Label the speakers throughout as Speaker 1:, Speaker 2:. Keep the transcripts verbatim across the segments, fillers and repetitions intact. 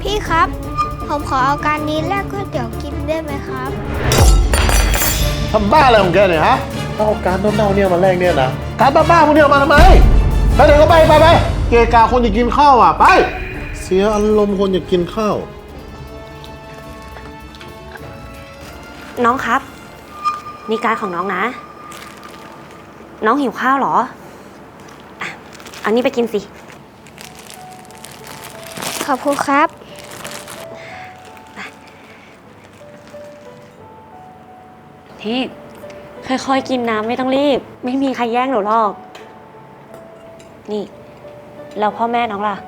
Speaker 1: พี่ครับผมขอเอาการนี้แลกก๋วยเตี๋ยวกินได้ไหมครับ
Speaker 2: ทำบ้าอะไรของแกเนี่ยฮะเอาการเน่าๆเนี่ยมาแลกเนี่ยนะการบ้าๆพวกนี้มาทำไมไปเดี๋ยวก็ไปไปไปเกกาคนอยากกินข้าวอ่ะไปเสียอารมณ์คนอยากกินข้าว
Speaker 3: น้องครับนี่การของน้องนะน้องหิวข้าวเหรออ่ะอันนี้ไปกินสิ
Speaker 1: ขอบคุณครับ
Speaker 3: นี่ค่อยๆกินน้ำไม่ต้องรีบไม่มีใครแย่งหนูหรอกนี่แล้วพ่อแม่น้องล่ะ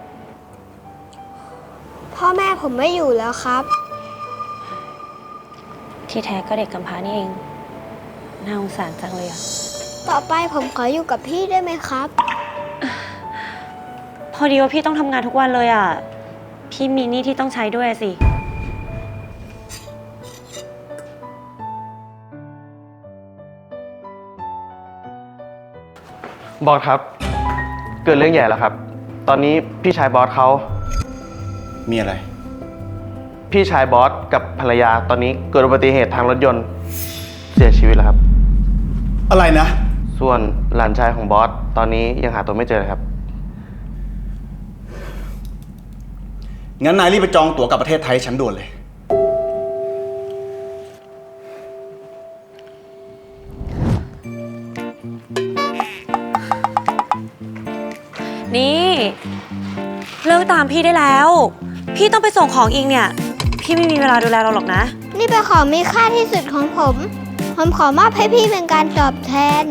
Speaker 1: พ่อแม่ผมไม่อยู่แล้วครับ
Speaker 3: ที่แท้ก็เด็กกำพร้านี่เองน่าสงสารจังเลยอะ
Speaker 1: ต่อไปผมขออยู่กับพี่ได้ไหมครับ
Speaker 3: พอดีว่าพี่ต้องทำงานทุกวันเลยอะพี่มีหนี้ที่ต้องใช้ด้วยสิ
Speaker 4: บอสครับเกิดเรื่องใหญ่แล้วครับตอนนี้พี่ชายบอสเขา
Speaker 2: มีอะไร
Speaker 4: พี่ชายบอสกับภรรยาตอนนี้เกิดอุบัติเหตุทางรถยนต์เสียชีวิตแล้วครับ
Speaker 2: อะไรนะ
Speaker 4: ส่วนหลานชายของบอสตอนนี้ยังหาตัวไม่เจอเลยครับ
Speaker 2: งั้นนายรีบไปจองตั๋วกลับประเทศไทยฉันด่วนเลย
Speaker 3: นี่เลิกตามพี่ได้แล้วพี่ต้องไปส่งของอีกเนี่ยพี่ไม่มีเวลาดูแลเราหรอกนะ
Speaker 1: นี่เป็นของมีค่าที่สุดของผมผมขอมอบให้พี่เป็นการตอบแทน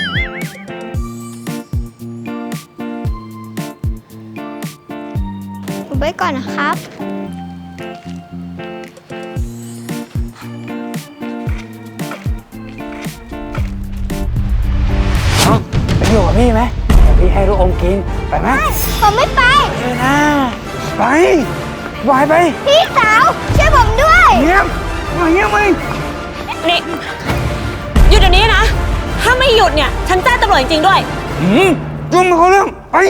Speaker 1: ผมไปก่อนนะครับ
Speaker 5: ไปอยู่กับพี่ไหมเดี๋ยวพี่ให้ลูกอมกินไปไหม
Speaker 1: ผมไม่ไป
Speaker 5: เออนะไปวายไป
Speaker 1: พี่สาวช่วยผมด้วย
Speaker 5: เงียบมาเงียบมึง
Speaker 3: นี่หยุดเดี๋ยวนี้นะถ้าไม่หยุดเนี่ยฉันแจ้งตำรวจจริงๆด้วย
Speaker 5: อืมยุ่งมาเขาเรื่องไป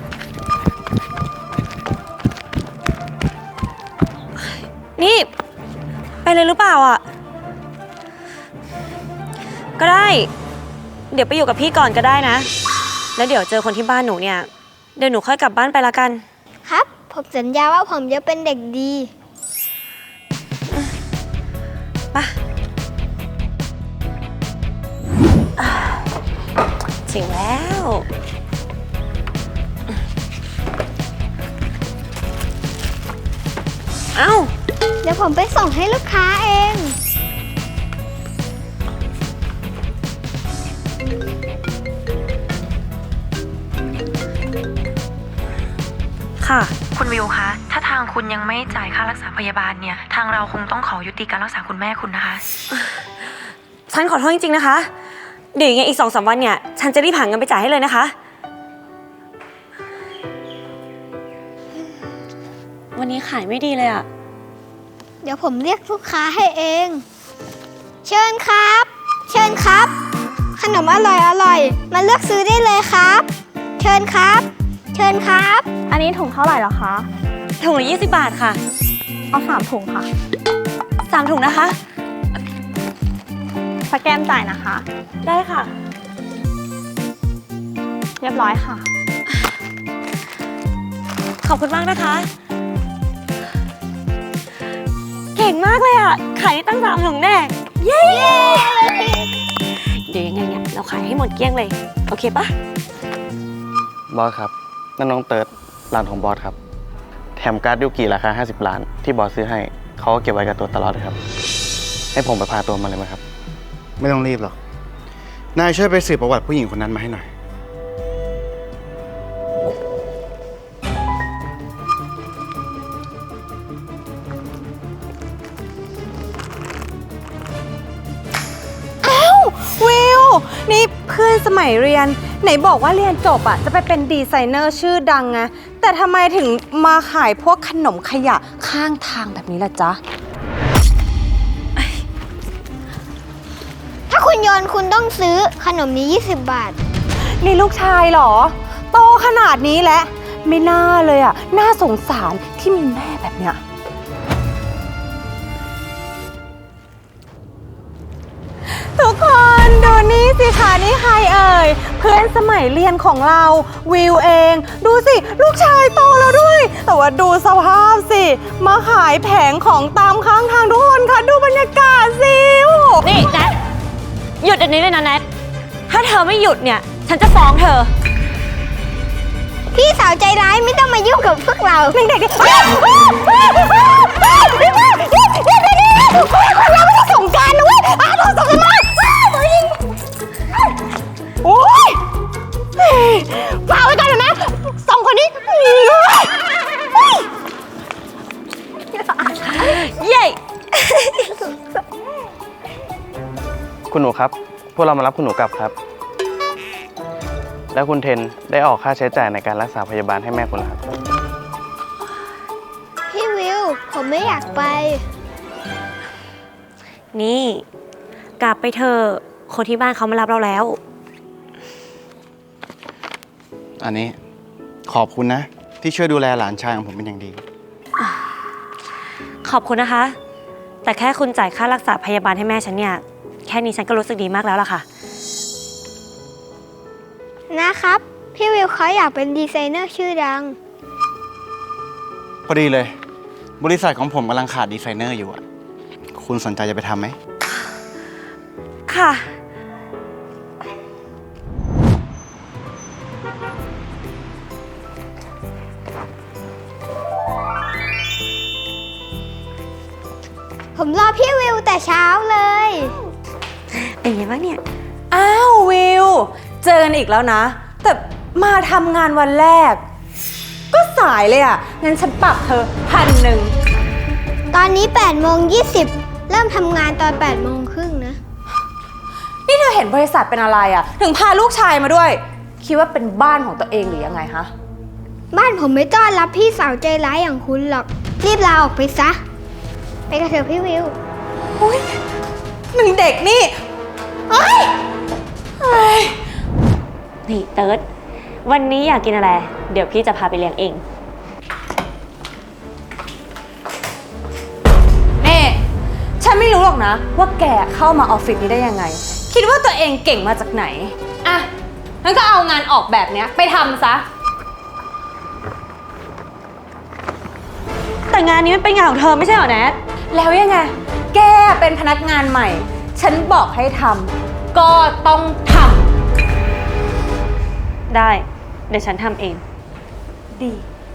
Speaker 3: นี่ไปเลยหรือเปล่าอ่ะก็ได้เดี๋ยวไปอยู่กับพี่ก่อนก็ได้นะแล้วเดี๋ยวเจอคนที่บ้านหนูเนี่ยเดี๋ยวหนูค่อยกลับบ้านไปละกัน
Speaker 1: ครับผมสัญญาว่าผมจะเป็นเด็กดี
Speaker 3: ไปถึงแล้วเอ้า
Speaker 1: เดี๋ยวผมไปส่งให้ลูกค้าเอง
Speaker 3: ค่ะ
Speaker 6: คุณวิวคะถ้าทางคุณยังไม่จ่ายค่ารักษาพยาบาลเนี่ยทางเราคงต้องขอยุติการรักษาคุณแม่คุณนะคะ
Speaker 3: ฉันขอโทษจริงๆนะคะเดี๋ยวยังไงอีกสองสามวันเนี่ยฉันจะรีบหาเงินไปจ่ายให้เลยนะคะวันนี้ขายไม่ดีเลยอะ
Speaker 1: เดี๋ยวผมเรียกลูกค้าให้เองเชิญครับเชิญครับขนมอร่อยอร่อยมาเลือกซื้อได้เลยครับเชิญครับเชิญครับ
Speaker 7: อันนี้ถุงเท่าไหร่เหรอคะ
Speaker 3: ถุงละยี่สิบบาทค่ะ
Speaker 7: เอาสามถุงค่ะ
Speaker 3: สามถุงนะคะ
Speaker 7: สแกนจ่ายนะคะ
Speaker 3: ได้ค่ะ
Speaker 7: เรียบร้อยค่ะ
Speaker 3: ขอบคุณมากนะคะเก่งมากเลยอ่ะขายได้ตั้งสามถุงแน่เย้เดี๋ยวยังไงเนี่ยเราขายให้หมดเกลี้ยงเลยโอเคปะ
Speaker 4: บอสครับนั่นน้องเติร์ดร้านของบอสครับแถมการ์ดยูกิราคาห้าสิบล้านที่บอสซื้อให้เขาก็เก็บไว้กับตัวตลอดเลยครับให้ผมไปพาตัวมาเลยไหมครับ
Speaker 2: ไม่ต้องรีบหรอกนายช่วยไปสืบประวัติผู้หญิงคนนั้นมาให้หน่อย
Speaker 8: วิวนี่เพื่อนสมัยเรียนไหนบอกว่าเรียนจบอ่ะจะไปเป็นดีไซเนอร์ชื่อดังไงแต่ทำไมถึงมาขายพวกขนมขยะข้างทางแบบนี้ล่ะจ๊ะ
Speaker 1: ถ้าคุณโยนคุณต้องซื้อขนมนี้ยี่สิบบาท
Speaker 8: นี่ลูกชายเหรอโตขนาดนี้แล้วไม่น่าเลยอะน่าสงสารที่มีแม่แบบเนี้ยทุกคนดูนี่สิคะนี่ใครเอ่ยเพื่อนสมัยเรียนของเราวิวเอง ดูสิลูกชายโตแล้วด้วย แต่ว่าดูสภาพสิมาขายแผงของตามข้างทางทุกคนคะดูบรรยากาศสิโอ้โห
Speaker 3: นี่แนทหยุดอันนี้เลยนะแนทถ้าเธอไม่หยุดเนี่ย ฉันจะฟ้องเธอ
Speaker 1: พี่สาวใจร้ายไม่ต้องมายุ่งกับพวกเรา
Speaker 8: เด็กๆดิเราไม่ได้สงกรานต์นะเว้ยอ้าวสงกรานต์โอ๊ยฝากไว้ก่อนนะสองคนนี้
Speaker 3: เย้
Speaker 4: คุณหนูครับ พวกเรามารับคุณหนูกลับครับ แล้วคุณเทนได้ออกค่าใช้จ่ายในการรักษาพยาบาลให้แม่คุณแล้วครับ
Speaker 1: พี่วิว ผมไม่อยากไป
Speaker 3: นี่ กลับไปเถอะคนที่บ้านเขามารับเราแล้ว
Speaker 4: อันนี้ขอบคุณนะ ที่ช่วยดูแลหลานชายของผมเป็นอย่างดี
Speaker 3: ขอบคุณนะคะ แต่แค่คุณจ่ายค่ารักษาพยาบาลให้แม่ฉันเนี่ย แค่นี้ฉันก็รู้สึกดีมากแล้วล่ะค่ะ
Speaker 1: นะครับ พี่วิวเขาอยากเป็นดีไซเนอร์ชื่อดัง
Speaker 4: พอดีเลย บริษัทของผมกำลังขาดดีไซเนอร์อยู่อะคุณสนใจจะไปทำไหม
Speaker 3: ค่ะ
Speaker 1: ผมรอพี่วิวแต่เช้าเลย
Speaker 3: เป็นไงบ้างเนี่ย
Speaker 8: อ้าววิว เจอกันอีกแล้วนะ แต่มาทำงานวันแรก ก็สายเลยอ่ะ งั้นฉันปรับเธอพันหนึ่ง
Speaker 1: ตอนนี้แปดโมงยี่สิบเริ่มทำงานตอนแปดโมงครึ่งนะ
Speaker 8: นี่เธอเห็นบริษัทเป็นอะไรอ่ะ ถึงพาลูกชายมาด้วย คิดว่าเป็นบ้านของตัวเองหรือยังไงฮะ
Speaker 1: บ้านผมไม่ต้อนรับพี่สาวใจร้ายอย่างคุณหรอก รีบลาออกไปซะ ไปกันเถอะพี่วิว
Speaker 8: อุ้ยหนึ่งเด็กนี่เฮ้ยเฮ้ย
Speaker 3: นี่เติร์ดวันนี้อยากกินอะไร เดี๋ยวพี่จะพาไปเลี้ยงเอง
Speaker 8: นี่ ฉันไม่รู้หรอกนะ ว่าแกเข้ามาออฟฟิศนี้ได้ยังไง คิดว่าตัวเองเก่งมาจากไหน อ่ะ งั้นก็เอางานออกแบบเนี้ยไปทำซะ
Speaker 3: แต่งานนี้มันเป็นงานของเธอไม่ใช่เหรอแนท
Speaker 8: แล้วยังไง แกเป็นพนักงานใหม่ ฉันบอกให้ทำ ก็ต้องท
Speaker 3: ได้ เดี๋ยวฉันทำเอง
Speaker 8: ำ ดี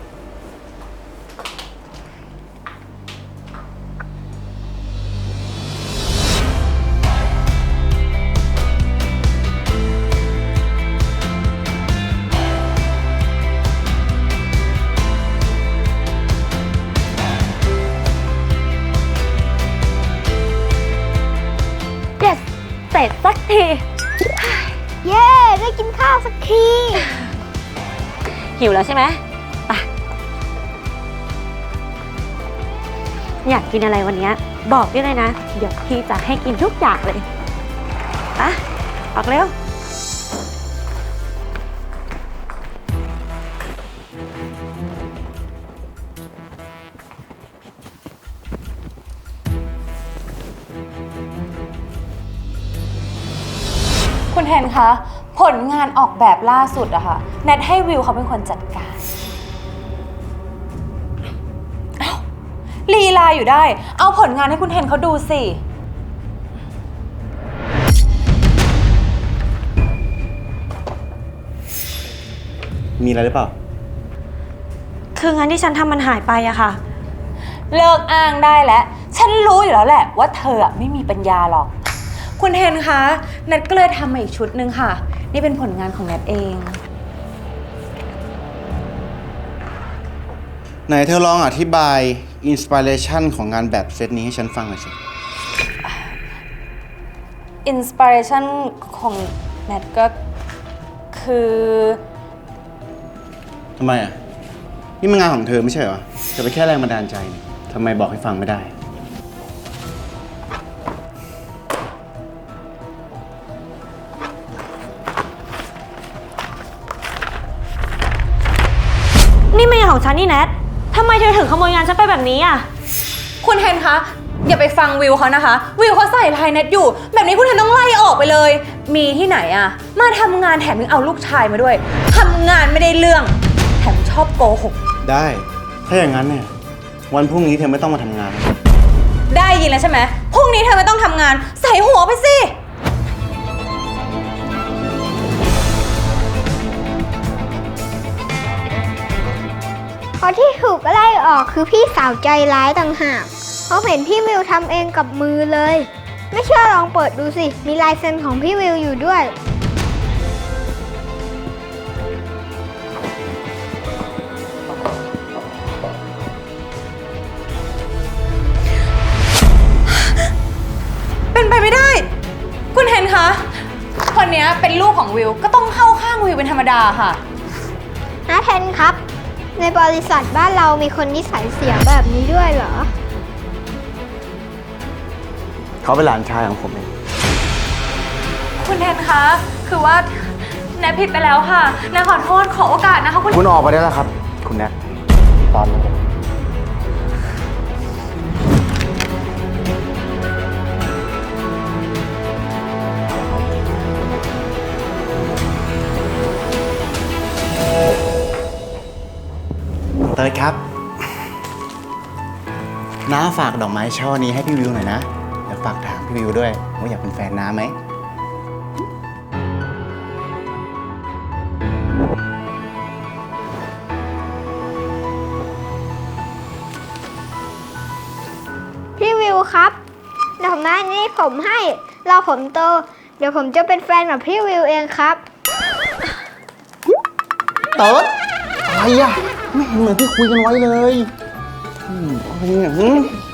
Speaker 3: yes เสร็จสักที
Speaker 1: เย้ ได้กินข้าวสักที
Speaker 3: หิวแล้วใช่ไหมไปอยากกินอะไรวันนี้บอกได้เลยนะ เดี๋ยวพี่จะให้กินทุกอย่างเลยไปออกเร็ว
Speaker 8: คุณแทนคะ ผลงานออกแบบล่าสุดอะค่ะแนทให้วิวเขาเป็นคนจัดการอ้าวลีลาอยู่ได้ เอาผลงานให้คุณแทนเขาดูสิ
Speaker 4: มีอะไรหรือเปล่า
Speaker 3: คืองานที่ฉันทำมันหายไปอะค่ะ
Speaker 8: เลิกอ้างได้แล้ว ฉันรู้อยู่แล้วแหละว่าเธออะไม่มีปัญญาหรอก คุณเทนคะแนทก็เลยทำมาอีกชุดหนึ่งค่ะ นี่เป็นผลงานของแนทเอง
Speaker 4: ไหนเธอลองอธิบายอินสปิเรชันของงานแบบเซตนี้ให้ฉันฟังหน่อยสิ
Speaker 8: อินสปิเรชันของแนทก็คือ
Speaker 4: ทำไมอ่ะ นี่มันงานของเธอไม่ใช่เหรอ เธอไปนแค่แรงบันดาลใจนี่ทำไมบอกให้ฟังไม่ได้
Speaker 3: นี่มันงานของฉันนี่แนททำไมเธอถึงขโมยงานฉันไปแบบนี้อ่ะ
Speaker 8: คุณเทนคะ อย่าไปฟังวิวเขานะคะ วิวเขาใส่ไทยเน็ตอยู่ แบบนี้คุณเทนต้องไล่ออกไปเลย มีที่ไหนอะมาทำงานแถมยังเอาลูกชายมาด้วยทำงานไม่ได้เรื่อง แถมชอบโกหก
Speaker 4: ได้ ถ้าอย่างนั้นเนี่ย วันพรุ่งนี้เธอไม่ต้องมาทำงาน
Speaker 8: ได้ยินแล้วใช่ไหมพรุ่งนี้เธอไม่ต้องทำงาน ใส่หัวไปสิ
Speaker 1: เพราะที่ถูกไล่ออกคือพี่สาวใจร้ายต่างหากเพราะเห็นพี่วิวทำเองกับมือเลย ไม่เชื่อลองเปิดดูสิ มีลายเซ็นของพี่วิวอยู่ด้วย
Speaker 8: เป็นไปไม่ได้ คุณเทนคะ คนเนี้ยเป็นลูกของวิว ก็ต้องเข้าข้างวิวเป็นธรรมดาค่ะ
Speaker 1: นะเทนครับ ในบริษัทบ้านเรามีคนนิสัยเสียแบบนี้ด้วยเหรอ
Speaker 4: เขาเป็นหลานชายของผมเอง
Speaker 8: คุณเทนคะ คือว่าแนทผิดไปแล้วค่ะแนทขอโทษขอโอกาสนะคะคุณ
Speaker 4: คุณออกไปได้แล้วครับ คุณแนทตอนนี้ เติร์ดครับ น้าฝากดอกไม้ช่อนี้ให้พี่วิวหน่อยนะ เดี๋ยวฝากถามพี่วิวด้วยว่าอยากเป็นแฟนน้าไหม
Speaker 1: พี่วิวครับดอกไม้นี้ผมให้เราผมโต เดี๋ยวผมจะเป็นแฟนกับพี่วิวเองครับ
Speaker 2: เติร์ดอะไรอ่ะ ไม่เห็นเหมือนที่คุยกันไว้เลยอืมอะไรเนี่ยหืม